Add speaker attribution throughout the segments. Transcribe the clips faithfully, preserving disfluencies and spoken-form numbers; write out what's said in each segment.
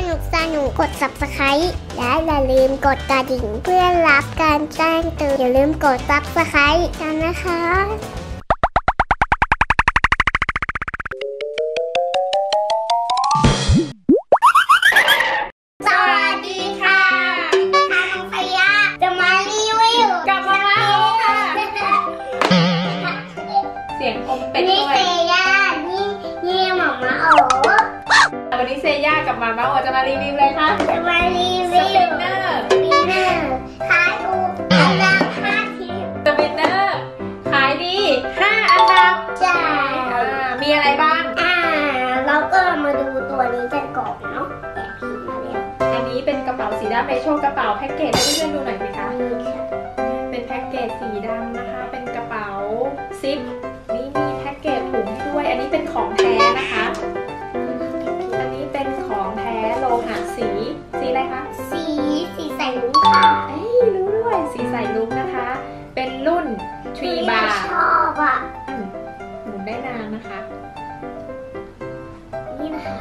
Speaker 1: นุกสนุกกด ซับสไครบ์ และอย่าลืมกดกระดิ่งเพื่อรับการแจ้งเตือนอย่าลืมกด ซับสไครบ์ กันนะคะสวัสดีค่ะน้องพยาจะมารีวิวกับมาม่าค่ะ
Speaker 2: เสียงอมเป็ดด้วย
Speaker 1: นี่เซย่านี่นี่หม่าม่าโอ
Speaker 2: วันนี้เซย่ากับมาม่าโอจะมารีวิวเลยค่ะ
Speaker 1: จะมารีวิว
Speaker 2: สปินเนอร์
Speaker 1: สปินเนอร์ขายถูกอันดับห้าทิป
Speaker 2: สปินเนอร์ขายดีห้าอันดับ
Speaker 1: ใช่
Speaker 2: มีอะไรบ้าง
Speaker 1: อ่าเราก็มาดูตัวนี้กันก่อนเนาะแกะพิมพ์มาแล้ว
Speaker 2: อันนี้เป็นกระเป๋าสีดำไปโชว์กระเป๋าแพ็กเกจให้เพื่อนๆดูหน่อยไหมคะเป็นแพ็กเกจสีดำนะคะเป็นกระเป๋าซิปนี่มีแพ็กเกจถุงให้ด้วยอันนี้เป็นของแท้นะคะอันนี้เป็นของแท้โลหะสีสีอะไรคะ
Speaker 1: สีสีใสลุ้งค่ะ
Speaker 2: เอ้ยรู้ด้วยสีใสลุ้งนะคะเป็นรุ่นทรีบาร์
Speaker 1: ชอบอ่ะ
Speaker 2: หมุนได้นานนะคะ
Speaker 1: นี่นะคะ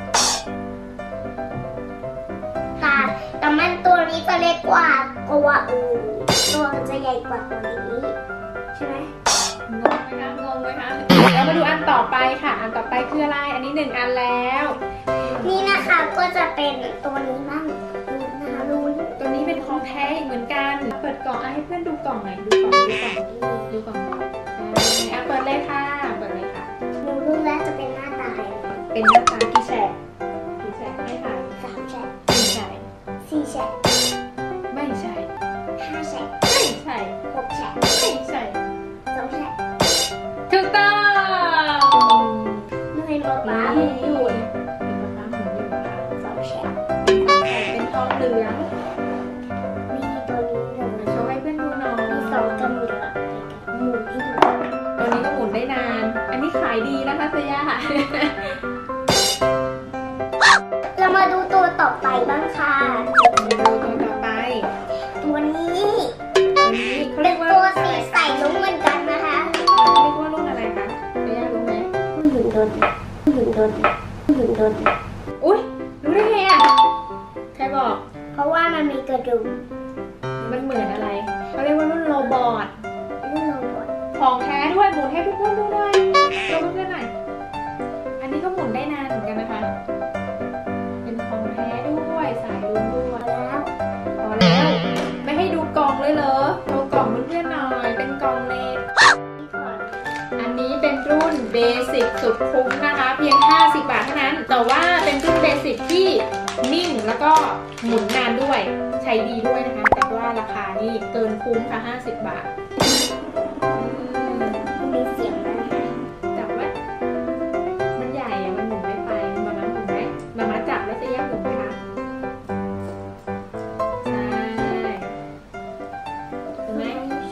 Speaker 1: ค่ะแต่มันตัวนี้จะเล็กกว่ากว่าอื่นตัวมันจะใหญ่กว่าตัวนี้ใช่ไหม
Speaker 2: งงไหมคะงงไหมคะแล้วมาดูอันต่อไปค่ะอันต่อไปคืออะไรอันนี้หนึ่งอันแล้ว
Speaker 1: นี่นะคะก็จะเป็นตัวนี้บ้างลุ้นนะคะลุ้น
Speaker 2: ตัวนี้เป็นของแท้เหมือนกันเปิดกล่องให้เพื่อนดูกล่องหน่อยดูกล่องดูกล่องดูกล่องอ่ะเปิดเลยค่ะเปิดเลยค่ะ
Speaker 1: หนูรู้แล้วจะเป็นหน้าตา
Speaker 2: เป็นหน้าตากี่แฉกกี่แฉกไม่ค่ะ
Speaker 1: สามแฉก
Speaker 2: ไม่ใช่
Speaker 1: สี่แฉก
Speaker 2: ไม่ใช่
Speaker 1: ห้าแฉก
Speaker 2: ไม่ใช่
Speaker 1: หกแฉก
Speaker 2: ไม่ใช่
Speaker 1: สองแฉก
Speaker 2: ถูกต้อง
Speaker 1: นี่เป็นป๊าป๊าหมุนอยู่
Speaker 2: เป็นป๊าป๊าหมุนอยู่ค่ะ
Speaker 1: สองแฉก
Speaker 2: เป็นทองเหลือง
Speaker 1: มีตัวนี้หนึ่ง
Speaker 2: โชว์ให้เพื่อนดูหน่อย
Speaker 1: มีสองกับหมุนหมุนที่ดู
Speaker 2: ตัวนี้ก็หมุนได้นานอันนี้ขายดีนะคะเซย่า
Speaker 1: เรามาดูตัวต่อไปบ้างค่ะ
Speaker 2: ดูตัวต่อไป
Speaker 1: ตัวนี้
Speaker 2: ตัวนี้เขาเรียกว่า
Speaker 1: ตัวสีใสลุ้งเหมือนกันนะคะ
Speaker 2: เรียกว่ารุ่นอะไรคะเซย่ารู้ไหม
Speaker 1: หุ่นยนต์หุ่นยนต์หุ่นยนต์
Speaker 2: อุ๊ยรู้ได้ไงอ่ะใครบอก
Speaker 1: เพราะว่ามันมีกระดูก
Speaker 2: มันเหมือนอะไรเขาเรียกว่ารุ่นโรบอท
Speaker 1: รุ่นโรบอท
Speaker 2: ของแท้ด้วยหมุนให้เพื่อนๆดูหน่อยดูเพื่อนๆหน่อยอันนี้ก็หมุนได้นานเหมือนกันนะคะเป็นของแท้ด้วยสายลุ้นด้วย
Speaker 1: แล้ว
Speaker 2: พอแล้วไม่ให้ดูกล่องเลยเหรอดูกล่องเพื่อนๆหน่อยเป็นกล่องเล็กอันนี้เป็นรุ่นเบสิกสุดคุ้มนะคะเพียงห้าสิบบาทเท่านั้นแต่ว่าเป็นรุ่นเบสิกที่นิ่งแล้วก็หมุนนานด้วยใช้ดีด้วยนะคะแต่ว่าราคานี่เกินคุ้มค่ะห้าสิบบาท
Speaker 1: มีเสียงนะ
Speaker 2: จับไหมมันใหญ่อะมันหมุนไม่ไปมาม่าหมุนไหมมาม่าจับแล้วจะแยกหมุนไหมคะใช่ถูกไหม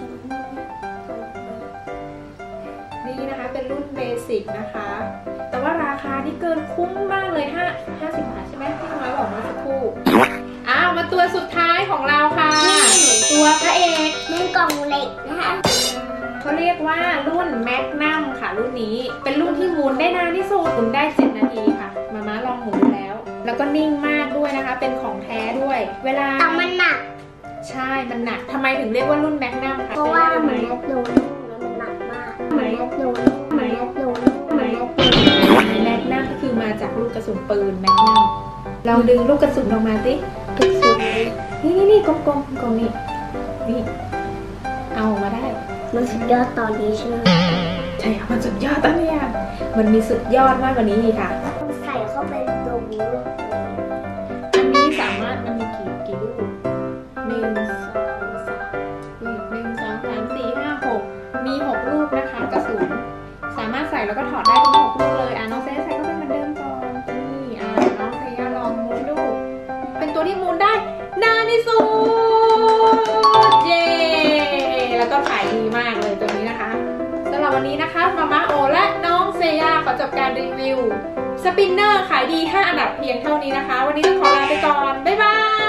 Speaker 2: นี่นะคะเป็นรุ่นเบสิกนะคะแต่ว่าราคานี่เกินคุ้มมากเลยห้าห้าสิบบาทใช่ไหมที่น้อยบอกเมื่อสักครู่อ้าวมาตัวสุดท้ายของเราค่ะตัวพระเอก
Speaker 1: เป็นกล่องเหล็กนะคะ
Speaker 2: เขาเรียกว่ารุ่นแมกนัมค่ะรุ่นนี้เป็นรุ่นที่หมุนได้นานที่สุดหมุนได้เจ็ดนาทีค่ะมาม่าลองหมุนแล้วแล้วก็นิ่งมากด้วยนะคะเป็นของแท้ด้วยเวลา
Speaker 1: แต่มันหนัก
Speaker 2: ใช่มันหนักทำไมถึงเรียกว่ารุ่นแมกนัมคะ
Speaker 1: เพราะว่ามันยกโดนแล้วมันหนักมากมันยกโดนมันยกโดนมันยกโดน
Speaker 2: แมกนัมก็คือมาจากลูกกระสุนปืนแมกนัมลองดึงลูกกระสุนออกมาสิ
Speaker 1: กระสุน
Speaker 2: นี่นี่นี่กลมกลมกลมนี่นี่เอามาได้
Speaker 1: มันสุดยอดตอนนี้ใช่ไหม
Speaker 2: ใช่ค่ะมันสุดยอดตอนนี้อ่ะมันมีสุดยอดมากกว่านี้ค่ะ
Speaker 1: ใส่เข้าไปตรงนี้
Speaker 2: อันนี้สามารถมันมีกี่กี่ลูกหนึ่งสองสามหนึ่งสองสามสี่ห้าหกมีหกลูกนะคะกระสุนสามารถใส่แล้วก็ถอดได้ทั้งหกลูกเลยอ่ะน้องเซใส่เข้าไปเหมือนเดิมก่อนนี่อ่ะน้องเซย่าลองหมุนดูเป็นตัวที่หมุนได้นานที่สุดเย้แล้วก็ขายดีมากเลยตัวนี้นะคะสำหรับวันนี้นะคะมาม่าโอและน้องเซย่าขอจบการรีวิวสปินเนอร์ขายดีห้าอันดับเพียงเท่านี้นะคะวันนี้ต้องขอลาไปก่อนบ๊ายบาย